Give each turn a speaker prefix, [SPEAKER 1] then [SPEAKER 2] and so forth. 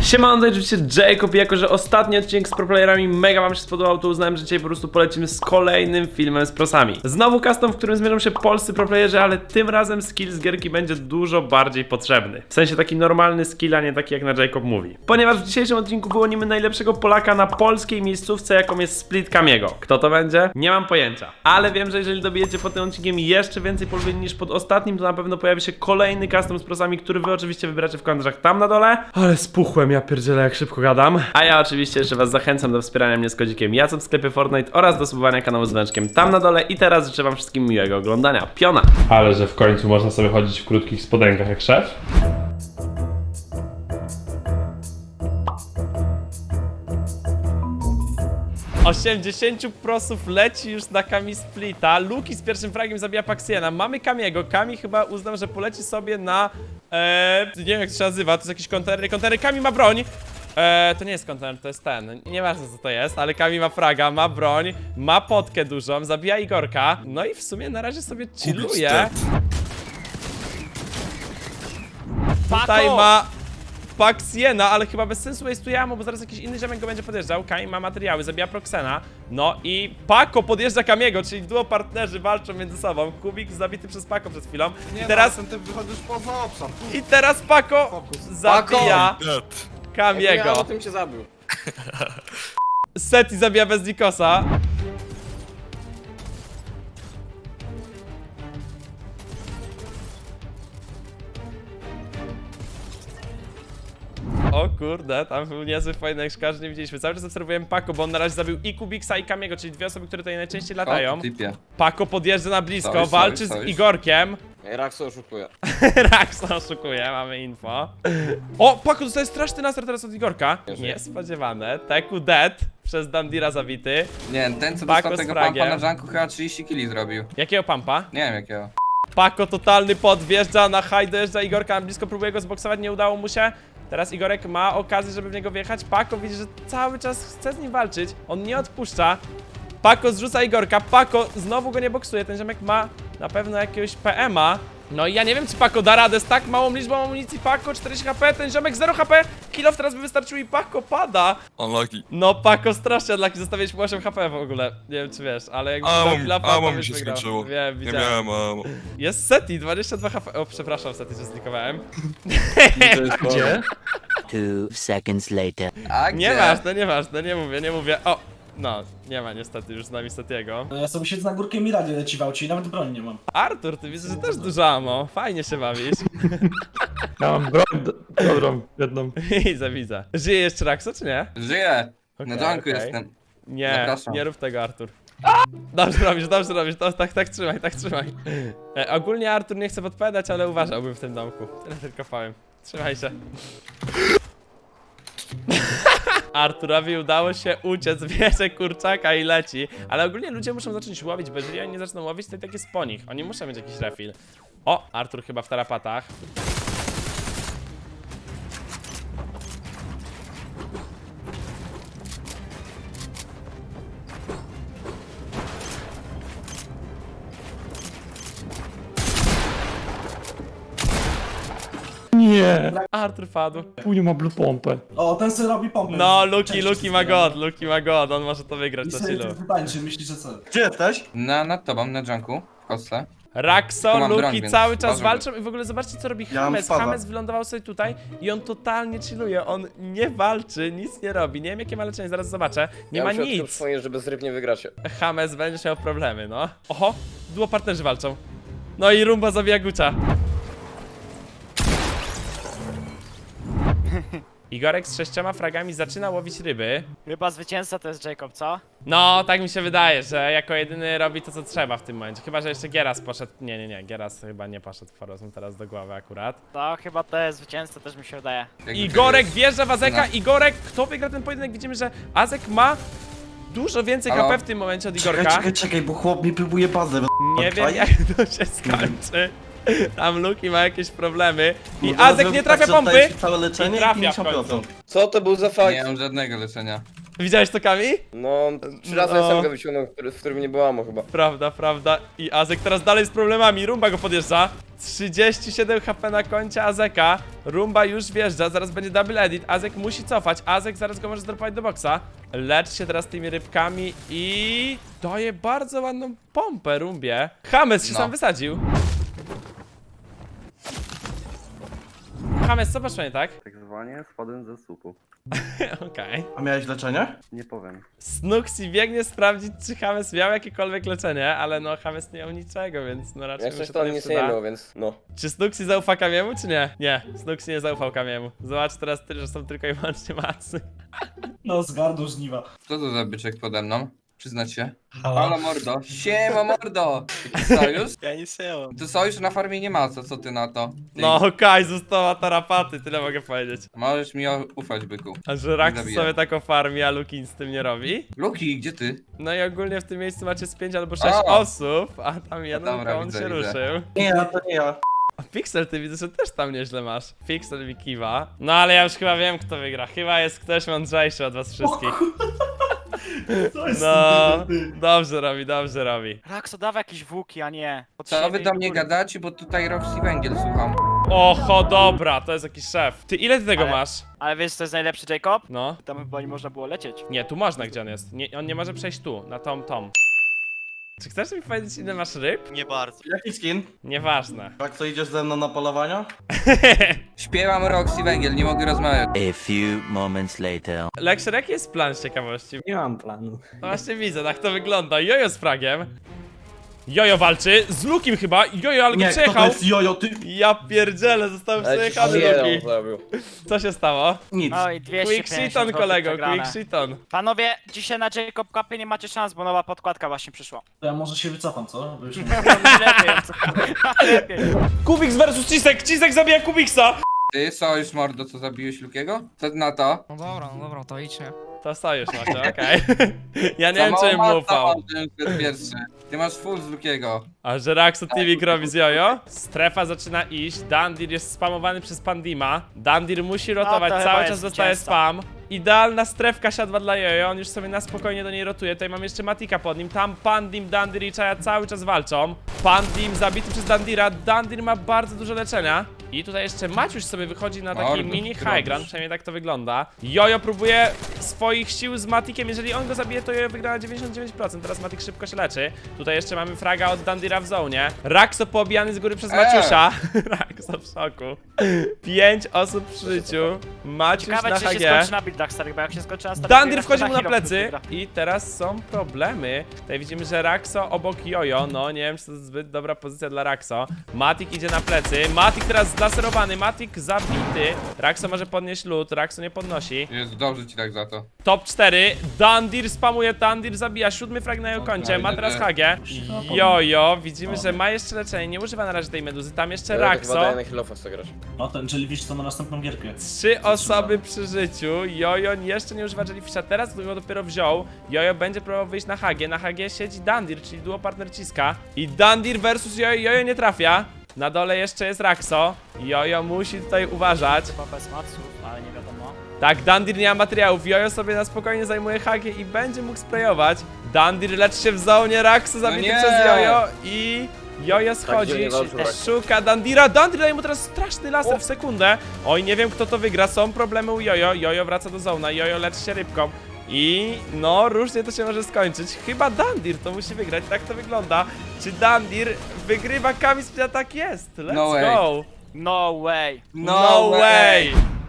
[SPEAKER 1] Siemano, to oczywiście Jacob i jako, że ostatni odcinek z proplayerami mega wam się spodobał, to uznałem, że dzisiaj po prostu polecimy z kolejnym filmem z prosami. Znowu custom, w którym zmierzą się polscy proplayerzy, ale tym razem skill z gierki będzie dużo bardziej potrzebny. W sensie taki normalny skill, a nie taki jak na Jacob mówi. Ponieważ w dzisiejszym odcinku wyłonimy najlepszego Polaka na polskiej miejscówce, jaką jest Split Kamiego. Kto to będzie? Nie mam pojęcia. Ale wiem, że jeżeli dobijecie pod tym odcinkiem jeszcze więcej polubień niż pod ostatnim, to na pewno pojawi się kolejny custom z prosami, który wy oczywiście wybracie w komentarzach tam na dole. Ale spuchłem, ja pierdzielę, jak szybko gadam. A ja oczywiście jeszcze was zachęcam do wspierania mnie z kodzikiem Jacop w sklepie Fortnite oraz do subowania kanału z dzwoneczkiem tam na dole. I teraz życzę wam wszystkim miłego oglądania. Piona! Ale że w końcu można sobie chodzić w krótkich spodenkach jak szef. Osiemdziesięciu prosów leci już na Kami Splita. Luki z pierwszym fragiem zabija Paxiena. Mamy Kamiego. Kami chyba uznał, że poleci sobie na... nie wiem jak to się nazywa, to jest jakiś kontener. Kontener, Kami ma broń. To nie jest kontener, to jest ten. Nieważne co to jest, ale Kami ma fraga, ma broń, ma potkę dużą, zabija Igorka. No i w sumie na razie sobie chilluje. Tutaj ma Paxiena, ale chyba bez sensu waste'uje ammo, bo zaraz jakiś inny ziomek go będzie podjeżdżał. Kami ma materiały, zabija Proxena. No i Paco podjeżdża Kamiego, czyli duo partnerzy walczą między sobą. Kubik zabity przez Paco przed chwilą. I teraz...
[SPEAKER 2] ty wychodzisz poza obszar.
[SPEAKER 1] I teraz Paco zabija Kamiego.
[SPEAKER 3] Ja o tym się zabił.
[SPEAKER 1] Seti zabija bez Nikosa. O kurde, tam był niezły fajny jak nie widzieliśmy. Cały czas obserwujemy Paco, bo on na razie zabił i Kubiksa i Kamiego, czyli dwie osoby, które tutaj najczęściej latają. Paco podjeżdża na blisko, walczy z Igorkiem.
[SPEAKER 3] Raxo oszukuje.
[SPEAKER 1] Raxo oszukuje, mamy info. O, Paco dostaje straszny nastar teraz od Igorka. Niespodziewane. Teku dead przez Dandira zabity.
[SPEAKER 4] Nie, ten co
[SPEAKER 1] Paco
[SPEAKER 4] dostał
[SPEAKER 1] z
[SPEAKER 4] tego
[SPEAKER 1] fragiem.
[SPEAKER 4] pampa na Junku chyba 30 kili zrobił.
[SPEAKER 1] Jakiego pampa?
[SPEAKER 4] Nie wiem jakiego.
[SPEAKER 1] Paco totalny pod, wjeżdża na high, dojeżdża Igorka, blisko próbuje go zboksować, nie udało mu się. Teraz Igorek ma okazję, żeby w niego wjechać. Paco widzi, że cały czas chce z nim walczyć. On nie odpuszcza. Paco zrzuca Igorka. Paco znowu go nie boksuje. Ten ziomek ma na pewno jakiegoś PM-a. No i ja nie wiem, czy Paco da radę z tak małą liczbą amunicji. Paco 40 HP, ten ziomek 0 HP. Kill-off teraz by wystarczył i Paco pada.
[SPEAKER 5] Unlucky.
[SPEAKER 1] No Paco strasznie unlucky, zostawialiśmy 8 HP w ogóle. Nie wiem, czy wiesz, ale jakby
[SPEAKER 5] Amo mi się skończyło.
[SPEAKER 1] Wiem,
[SPEAKER 5] Nie
[SPEAKER 1] widziałem.
[SPEAKER 5] miałem amo.
[SPEAKER 1] Jest Seti, 22 HP. O, przepraszam, Seti, że zlikowałem.
[SPEAKER 2] Gdzie?
[SPEAKER 6] 2 seconds later.
[SPEAKER 4] A gdzie?
[SPEAKER 1] Nieważne, nie mówię. O, no, nie ma niestety już z nami Setiego.
[SPEAKER 7] No ja sobie siedzę na górkę Miradzie leci w aucie i nawet broni nie mam.
[SPEAKER 1] Artur, ty widzę, że też dużo ammo. Fajnie się bawisz.
[SPEAKER 2] Ja mam broń dobrą, jedną.
[SPEAKER 1] Widzę. Żyje jeszcze Raxo, czy nie?
[SPEAKER 4] Żyję!
[SPEAKER 1] Okej,
[SPEAKER 4] Na Junku
[SPEAKER 1] okej.
[SPEAKER 4] jestem.
[SPEAKER 1] Nie,
[SPEAKER 4] Zapraszam.
[SPEAKER 1] nie rób tego, Artur. Dobrze robisz, to, tak trzymaj. Ogólnie Artur nie chce podpowiadać, ale uważałbym w tym domku. Tyle tylko powiem. Trzymaj się. Arturowi udało się uciec, bierze kurczaka i leci. Ale ogólnie ludzie muszą zacząć łowić, bo jeżeli oni nie zaczną łowić, to i tak jest po nich. Oni muszą mieć jakiś refill. O, Artur chyba w tarapatach.
[SPEAKER 2] Nie,
[SPEAKER 1] Artur padł.
[SPEAKER 2] później ma blue pompę.
[SPEAKER 7] O, ten sobie robi pompę.
[SPEAKER 1] No, Luki ma god, on może to wygrać
[SPEAKER 7] I
[SPEAKER 1] na
[SPEAKER 7] sobie
[SPEAKER 1] chillu.
[SPEAKER 7] wytańczy, myślisz, że co?
[SPEAKER 2] Gdzie jesteś?
[SPEAKER 4] Nad tobą, na Junku, w kostce.
[SPEAKER 1] Raxo,
[SPEAKER 4] Tu mam broń,
[SPEAKER 1] Luki
[SPEAKER 4] więc
[SPEAKER 1] cały czas
[SPEAKER 4] uważam.
[SPEAKER 1] walczą i w ogóle zobaczcie co robi
[SPEAKER 2] Ja mam
[SPEAKER 1] Hames.
[SPEAKER 2] spada.
[SPEAKER 1] Hames wylądował sobie tutaj i on totalnie chilluje, on nie walczy, nic nie robi. Nie wiem jakie ma leczenie, zaraz zobaczę. Nie ma nic.
[SPEAKER 3] Przypomnę, że bez ryb nie wygracie.
[SPEAKER 1] Hames będziesz miał problemy, no. Oho, duo partnerzy walczą. No i Rumba zabija Gucia. Igorek z 6 fragami zaczyna łowić ryby.
[SPEAKER 8] Chyba zwycięzca to jest Jacob, co?
[SPEAKER 1] No, tak mi się wydaje, że jako jedyny robi to, co trzeba w tym momencie. Chyba, że jeszcze Gieras poszedł. Nie, Gieras chyba nie poszedł w Forozum teraz do głowy akurat.
[SPEAKER 8] To chyba to jest zwycięzca, też mi się wydaje.
[SPEAKER 4] Jakby
[SPEAKER 1] Igorek
[SPEAKER 4] to
[SPEAKER 1] wjeżdża w Azeka.
[SPEAKER 4] No.
[SPEAKER 1] Igorek, kto wygra ten pojedynek? Widzimy, że Azek ma dużo więcej
[SPEAKER 4] Halo?
[SPEAKER 1] HP w tym momencie od Igorka.
[SPEAKER 2] Czekaj, bo chłop mi próbuje bazę.
[SPEAKER 1] Nie wiem jak to się skończy. Tam Luki ma jakieś problemy. I
[SPEAKER 2] Kurde,
[SPEAKER 1] Azek
[SPEAKER 2] no,
[SPEAKER 1] nie
[SPEAKER 2] tak,
[SPEAKER 1] trafia
[SPEAKER 2] że
[SPEAKER 1] pompy.
[SPEAKER 2] dajesz całe leczenie
[SPEAKER 1] I trafia
[SPEAKER 2] i
[SPEAKER 1] w końcu.
[SPEAKER 2] 50%.
[SPEAKER 3] Co to był za
[SPEAKER 4] Nie
[SPEAKER 3] fight?
[SPEAKER 4] mam żadnego leczenia.
[SPEAKER 1] Widziałeś to, Kami?
[SPEAKER 3] No, 3 razy
[SPEAKER 1] No.
[SPEAKER 3] SMG wyciągnął, w którym nie było ammo chyba.
[SPEAKER 1] Prawda. I Azek teraz dalej z problemami. Rumba go podjeżdża. 37 HP na koncie Azeka. Rumba już wjeżdża, zaraz będzie double edit. Azek musi cofać. Azek zaraz go może zdropować do boksa. Lecz się teraz tymi rybkami i daje bardzo ładną pompę Rumbie. Hames się
[SPEAKER 4] No.
[SPEAKER 1] sam wysadził. Hames, co masz nie tak?
[SPEAKER 9] Tak zwanie spadłem ze słupu.
[SPEAKER 1] Okej.
[SPEAKER 7] A miałeś leczenie?
[SPEAKER 9] Nie powiem.
[SPEAKER 1] Snuxi biegnie sprawdzić, czy Hames miał jakiekolwiek leczenie, ale no Hames nie miał niczego, więc no raczej
[SPEAKER 3] Jak
[SPEAKER 1] mu
[SPEAKER 3] coś
[SPEAKER 1] się
[SPEAKER 3] to
[SPEAKER 1] to
[SPEAKER 3] on
[SPEAKER 1] nie
[SPEAKER 3] nic nie
[SPEAKER 1] przyda.
[SPEAKER 3] miał, więc no.
[SPEAKER 1] Czy Snuxi zaufał Kamiemu, czy nie? Nie, Snuxi nie zaufał Kamiemu. Zobacz teraz, że są tylko i wyłącznie macy.
[SPEAKER 7] No, zgarnął żniwa.
[SPEAKER 4] Co to za byczek pode mną? Przyznać się. Halo mordo. Siema mordo. Jaki sojusz?
[SPEAKER 8] Ja nic nie mam.
[SPEAKER 4] To sojusz na farmie nie ma, co ty na to? Ty.
[SPEAKER 1] No, Kaj została tarapaty, tyle mogę powiedzieć.
[SPEAKER 4] Możesz mi ufać, byku.
[SPEAKER 1] A że Rax
[SPEAKER 4] Zabijam.
[SPEAKER 1] sobie taką farmi, a Lukin z tym nie robi?
[SPEAKER 4] Luki, gdzie ty?
[SPEAKER 1] No i ogólnie w tym miejscu macie z 5 albo 6
[SPEAKER 4] O!
[SPEAKER 1] osób, a tam jeden
[SPEAKER 4] dobra,
[SPEAKER 1] koń
[SPEAKER 4] widzę,
[SPEAKER 1] się
[SPEAKER 4] widzę.
[SPEAKER 1] ruszył.
[SPEAKER 7] Nie, to nie ja.
[SPEAKER 1] A Pixel, ty widzę, że też tam nieźle masz. Pixel mi kiwa. No ale ja już chyba wiem, kto wygra. Chyba jest ktoś mądrzejszy od was wszystkich.
[SPEAKER 7] To jest
[SPEAKER 1] No,
[SPEAKER 7] ty.
[SPEAKER 1] dobrze robi.
[SPEAKER 8] Rakso, dawaj jakieś włóki, a nie.
[SPEAKER 4] Co wy do mnie gadacie, bo tutaj Roxy Węgiel słucham.
[SPEAKER 1] Oho, dobra, to jest jakiś szef. Ty, ile ty tego
[SPEAKER 8] Ale-
[SPEAKER 1] masz?
[SPEAKER 8] Ale wiesz, co jest najlepszy, Jacob?
[SPEAKER 1] No.
[SPEAKER 8] Tam chyba nie można było lecieć.
[SPEAKER 1] Nie, tu można, gdzie on jest. Nie, on nie może przejść tu, na tom. Czy chcesz mi powiedzieć, ile masz ryb?
[SPEAKER 8] Nie bardzo.
[SPEAKER 7] Jaki skin?
[SPEAKER 1] Nieważne.
[SPEAKER 7] Jak co, idziesz ze mną na polowania?
[SPEAKER 4] Śpiewam Roxy Węgiel, nie mogę rozmawiać.
[SPEAKER 6] A few moments later.
[SPEAKER 1] Lexer, jaki jest plan z ciekawości?
[SPEAKER 2] Nie mam planu.
[SPEAKER 1] No właśnie widzę, tak to wygląda. Jojo z fragiem. Jojo walczy z Lukim chyba. Jojo, ale go
[SPEAKER 7] Nie, kto to
[SPEAKER 1] przejechał.
[SPEAKER 7] jest jojo, ty?
[SPEAKER 1] Ja pierdzielę, został
[SPEAKER 3] Ale
[SPEAKER 1] przejechany
[SPEAKER 3] jeden
[SPEAKER 1] Luki.
[SPEAKER 3] zrobił.
[SPEAKER 1] Co się stało?
[SPEAKER 7] Nic.
[SPEAKER 8] No i 250
[SPEAKER 1] Quick shiton,
[SPEAKER 8] złotych
[SPEAKER 1] kolego,
[SPEAKER 8] przegrane.
[SPEAKER 1] quick shiton.
[SPEAKER 8] Panowie, dzisiaj na Jacob Cupie nie macie szans, bo nowa podkładka właśnie przyszła.
[SPEAKER 7] To ja może się wycofam, co? Bo już nie...
[SPEAKER 8] Lepiej.
[SPEAKER 1] Kubiks versus Cisek. Cisek zabija Kubiksa.
[SPEAKER 4] Ty, sojusz mordo, co zabiłeś Lukiego? Co ty na to?
[SPEAKER 10] No dobra, to idźcie.
[SPEAKER 1] To sojusz macie, okej. Ja nie
[SPEAKER 4] Za
[SPEAKER 1] wiem,
[SPEAKER 4] mało
[SPEAKER 1] czy mu
[SPEAKER 4] mata
[SPEAKER 1] ufał.
[SPEAKER 4] mam, żebym szedł pierwszy. Ty masz full z Lukiego.
[SPEAKER 1] A że Raxo TV robi z Jojo? Strefa zaczyna iść, Dandir jest spamowany przez Pandima. Dandir musi rotować,
[SPEAKER 8] No to chyba
[SPEAKER 1] cały
[SPEAKER 8] jest
[SPEAKER 1] czas dostaje
[SPEAKER 8] zwycięzca.
[SPEAKER 1] spam. Idealna strefka siadła dla Jojo, on już sobie na spokojnie do niej rotuje. Tutaj mam jeszcze Matika pod nim, tam Pandim, Dandir i Chaya cały czas walczą. Pandim zabity przez Dandira, Dandir ma bardzo dużo leczenia. I tutaj jeszcze Maciuś sobie wychodzi na taki
[SPEAKER 4] Mordo,
[SPEAKER 1] mini
[SPEAKER 4] ty
[SPEAKER 1] high ground,
[SPEAKER 4] robisz.
[SPEAKER 1] przynajmniej tak to wygląda. Jojo próbuje swoich sił z Matikiem, jeżeli on go zabije, to Jojo wygra na 99%, teraz Matik szybko się leczy. Tutaj jeszcze mamy fraga od Dandira w zonie. Raxo poobijany z góry przez Maciusia. Raxo w szoku. 5 osób przy życiu. Maciuś
[SPEAKER 8] Ciekawe,
[SPEAKER 1] na
[SPEAKER 8] czy się
[SPEAKER 1] HG.
[SPEAKER 8] skończy na buildach starych, bo jak się skończy na starych
[SPEAKER 1] Dandir
[SPEAKER 8] buildach,
[SPEAKER 1] wchodzi
[SPEAKER 8] to
[SPEAKER 1] mu na
[SPEAKER 8] hero
[SPEAKER 1] plecy
[SPEAKER 8] wygra.
[SPEAKER 1] i teraz są problemy. Tutaj widzimy, że Raxo obok Jojo, no nie wiem, czy to jest zbyt dobra pozycja dla Raxo. Matik idzie na plecy, Matik teraz zlaserowany, Matik zabity. Raxo może podnieść lód, Raxo nie podnosi.
[SPEAKER 4] Jest dobrze ci tak za to.
[SPEAKER 1] Top 4, Dandir spamuje, Dandir zabija, 7 frag na jego koncie, ma teraz HG. Jojo, widzimy, że ma jeszcze leczenie, nie używa na razie tej meduzy, tam jeszcze
[SPEAKER 3] Ja to chyba
[SPEAKER 1] Raxo.
[SPEAKER 3] daję na Hillofa sobie grać.
[SPEAKER 7] No ten Jellyfish to na następną gierkę.
[SPEAKER 1] 3 osoby przy życiu, Jojo jeszcze nie używa Jellyfisha, teraz go dopiero wziął. Jojo będzie próbował wyjść na HG, siedzi Dandir, czyli duo partner Ciska. I Dandir versus Jojo, Jojo nie trafia. Na dole jeszcze jest Raxo, Jojo musi tutaj uważać.
[SPEAKER 8] Chyba bez maców, ale nie wiadomo.
[SPEAKER 1] Tak, Dandir nie ma materiałów, Jojo sobie na spokojnie zajmuje HG i będzie mógł sprayować. Dandir leczy się w zonie, Raxo zabity
[SPEAKER 4] nie!
[SPEAKER 1] przez Jojo i... Jojo schodzi,
[SPEAKER 3] dziwnie walczył Raxo.
[SPEAKER 1] szuka Dandira, Dandir daje mu teraz straszny laser w sekundę. Oj, nie wiem kto to wygra, są problemy u Jojo, Jojo wraca do zona, Jojo leczy się rybką. I no, różnie to się może skończyć. Chyba Dandir to musi wygrać, tak to wygląda. Czy Dandir wygrywa Kami? Tak jest, let's
[SPEAKER 4] No way.
[SPEAKER 1] go.
[SPEAKER 8] No way.
[SPEAKER 1] No way.